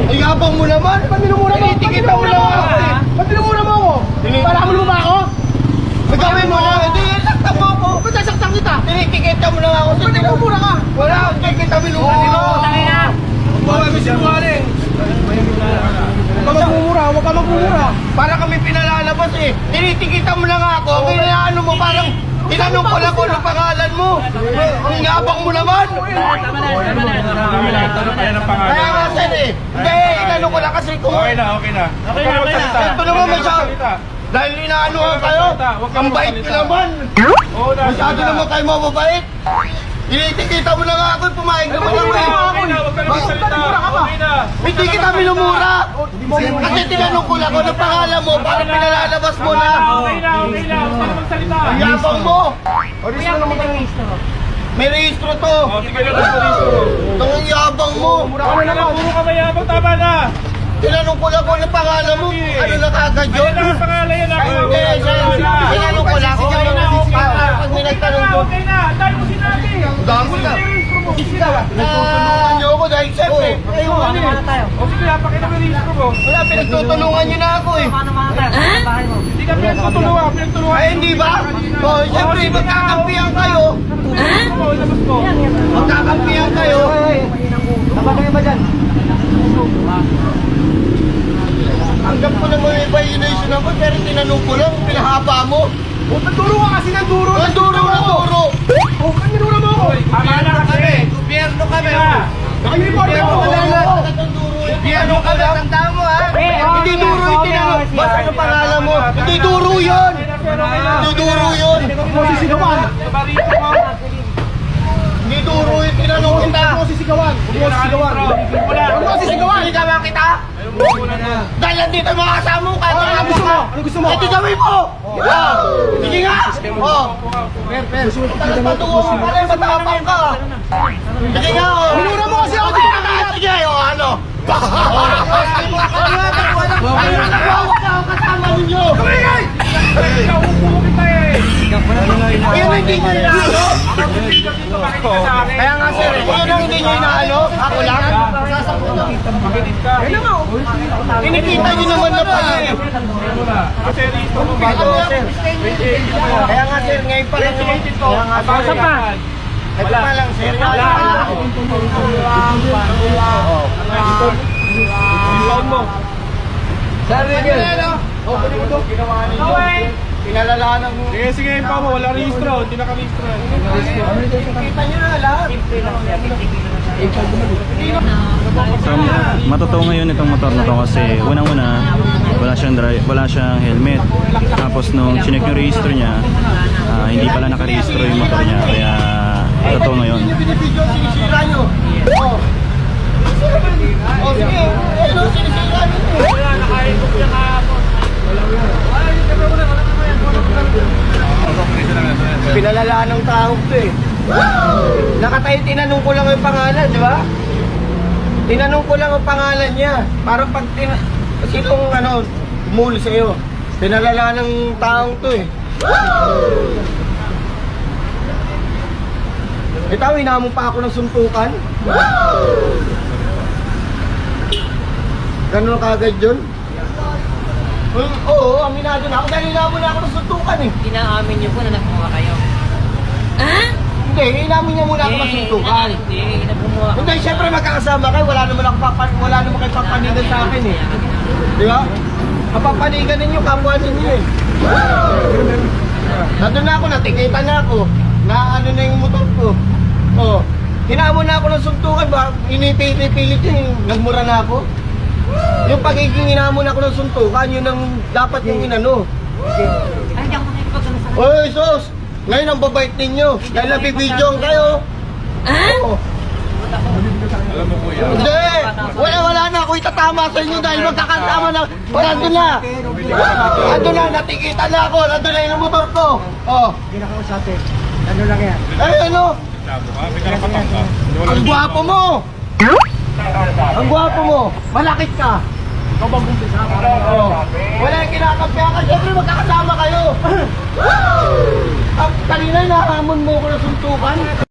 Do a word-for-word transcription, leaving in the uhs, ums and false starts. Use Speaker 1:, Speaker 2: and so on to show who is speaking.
Speaker 1: Ay, abang mo naman. Ba't minumura mo?
Speaker 2: Tinitikita mo lang ako eh.
Speaker 1: Ba't minumura mo ako? Para mo ba ako? Nagawin mo ako. Hindi, sakta mo ako. Ba't nasaktan kita?
Speaker 2: Tinitikita mo lang ako.
Speaker 1: Ba't minumura ka?
Speaker 2: Wala, hindi kita minumura dito.
Speaker 1: Huwag kami sinungaling. Huwag ka magmumura, huwag ka magmumura.
Speaker 2: Para kami pinalalabas eh. Tinitikita mo lang ako. Kaya ano mo parang tinanong ko lang kung ano pangalan mo. Ang yabang mo naman.
Speaker 3: Tama na, tama na. Tama na, tama na.
Speaker 2: Kaya nga sir eh. Hindi, inano ko lang kasi kung...
Speaker 4: Okay na, okay na.
Speaker 3: Okay na, okay na.
Speaker 2: Ito naman masyado. Dahil inaano ka kayo. Ang bait ko naman.
Speaker 4: Oo na.
Speaker 2: Masyado naman kayo mababait. Tinitikita mo lang ako. Pumayag naman ako eh.
Speaker 4: Okay na, huwag ka na magsalita. Okay na.
Speaker 2: Hindi kita minumura. Kasi tinanong ko lang kung ano pangalan mo. Para pinalalabas mo na.
Speaker 4: Okay na, okay na. Huwag ka na magsalita.
Speaker 2: Ang yabang mo.
Speaker 1: Oris na naman kayo.
Speaker 2: May rehistro to.
Speaker 4: O, sige na, rehistro.
Speaker 2: Ang yabang mo.
Speaker 1: Mura ka na naman.
Speaker 4: Puro ka mayabang, tama na.
Speaker 2: Tinanong ko lang kung ano pangalan mo. Ano na kagad yun?
Speaker 4: Ayun lang ang pangalan yan.
Speaker 2: Ay, hindi. Tinanong ko lang.
Speaker 4: Okay na, okay na.
Speaker 2: Pag may nagtanong ko.
Speaker 4: Okay na, dahil mo sinabi.
Speaker 2: Dami na. Nagtutulungan niyo ako dahil siyempre. Kayo ano eh.
Speaker 4: O sige, napakita mo yung rehistro mo.
Speaker 2: Wala, pinagtutulungan niyo na ako eh.
Speaker 4: Hindi ka pinagtutulungan, pinagtulungan.
Speaker 2: Ay, hindi ba? O, siyempre, magkakampihan kayo.
Speaker 4: Oo, ilabas mo.
Speaker 2: Magkakampihan kayo.
Speaker 1: Tama kayo ba dyan?
Speaker 2: Hanggang ko naman may violation ako, pero tinanong ko lang, pinahaba mo.
Speaker 1: O, nagduro ka kasi ng duro.
Speaker 2: Ang duro na duro.
Speaker 1: O, kan minura mo ako.
Speaker 4: Tama na kasi.
Speaker 2: Gobyerno kami.
Speaker 1: Naka-uniform
Speaker 2: Gobyerno
Speaker 1: ako.
Speaker 2: kami. Gobyerno kami. Tandaan mo ha. Hindi duro yung tinanong. Basta ano pangalan mo? Hindi duro yun. Hindi duro yun.
Speaker 1: Huwag mo sisigawan.
Speaker 4: Barito mo.
Speaker 2: Hindi duro yung tinanong kita.
Speaker 1: Huwag mo sisigawan. Huwag mo sisigawan. Huwag mo sisigawan.
Speaker 2: Hindi ka kita? Dahil nandito yung mga kasama mo. Kahit
Speaker 1: Ano
Speaker 2: mga
Speaker 1: gusto mo? Ano gusto mo?
Speaker 2: Eh, di gawin mo. Oh. Sige nga. Oh. Talas patungo ka pala. Matapang ka. Sige nga. Oh.
Speaker 1: Minura mo kasi ako dito kanina.
Speaker 2: Sige. Oh, ano? Ano na nagwawak na ako kasama ninyo?
Speaker 4: Nauupo kita eh.
Speaker 2: Ayun ang hindi nyo inaano. Kaya nga sir, ayun ang hindi nyo inaano. Ako lang.
Speaker 4: Makinig ka.
Speaker 2: Kinikita nyo naman na pala eh.
Speaker 4: Kasi rehistro mo
Speaker 2: Alam
Speaker 4: bago.
Speaker 2: mo, kaya nga sir, ngayon pa lang naman. Kaya nga sir, ito pa lang sir.
Speaker 4: Inbound mo.
Speaker 2: Sir, yun. Oh, pwede mo ito. Ginawa ninyo. Pinalalanan mo.
Speaker 4: Sige, sige, impound mo. Wala rehistro. Hindi nakarehistro.
Speaker 2: Kita nyo na lahat.
Speaker 5: So, matotoo ngayon itong motor na to kasi unang-una wala siyang drive, wala siyang helmet. Tapos nung chinek yung register niya, ah, hindi pala nakarehistro yung motor niya. Kaya totoo ngayon.
Speaker 2: Yung binibidyo, sinisira nyo. Oh. Oh, sige. Ayun, oh, sinisira nyo.
Speaker 4: Wala, nakaikot siya kahapon.
Speaker 2: Pinalalaan ng tao to eh. Nakatayo, tinanong ko lang yung pangalan, di ba? Tinanong ko lang ang pangalan niya. Para pag tina... Sinong ano, muli sa'yo. Pinalalaan ng taong to eh. Ito, hinamon pa ako ng suntukan. Ganun kagad yun? Hmm, oo, aminado na ako dahil hinamon na ako ng suntukan eh.
Speaker 3: Inaamin niyo po na nagmumukha kayo.
Speaker 2: Hindi, hinamin niya muna ako ng suntukan.
Speaker 3: Hindi, nagmumukha.
Speaker 2: Hindi, syempre magkakasama kayo, wala naman ako papan, wala naman kayo papanigan sa akin eh. Di ba? Mapapanigan ninyo, kapwa ninyo eh. Nandun na ako, natikita na ako. Na ano na yung motor ko. Oh, hinamon na ako ng suntukan, ba? Inipilit-pilit yun, nagmura na ako. Yung pagiging hinamon ako ng suntukan, yun ang dapat yung inano.
Speaker 3: Ay, hindi ako makikipagano sa
Speaker 2: Oy, sos! Ngayon ang babait ninyo. Dahil nabibidyoan kayo. Oh.
Speaker 4: Alam mo kuya.
Speaker 2: Hindi! Wala, wala na ako itatama sa inyo dahil magkakasama na. Wala, nandun na. Nandun na, natikita na ako. Nandun na yung motor ko. Oh.
Speaker 1: Hindi na kausap eh. Ano lang yan?
Speaker 2: Ay, ano?
Speaker 4: Labo ka, may karapatan ka.
Speaker 2: Ang gwapo mo! Ang gwapo mo! Malakit ka!
Speaker 1: Ikaw bang bumpisa?
Speaker 2: Oh. Wala yung kinakampihan ka. Siyempre magkakasama kayo. Ang kanina nahamon mo ko na suntukan.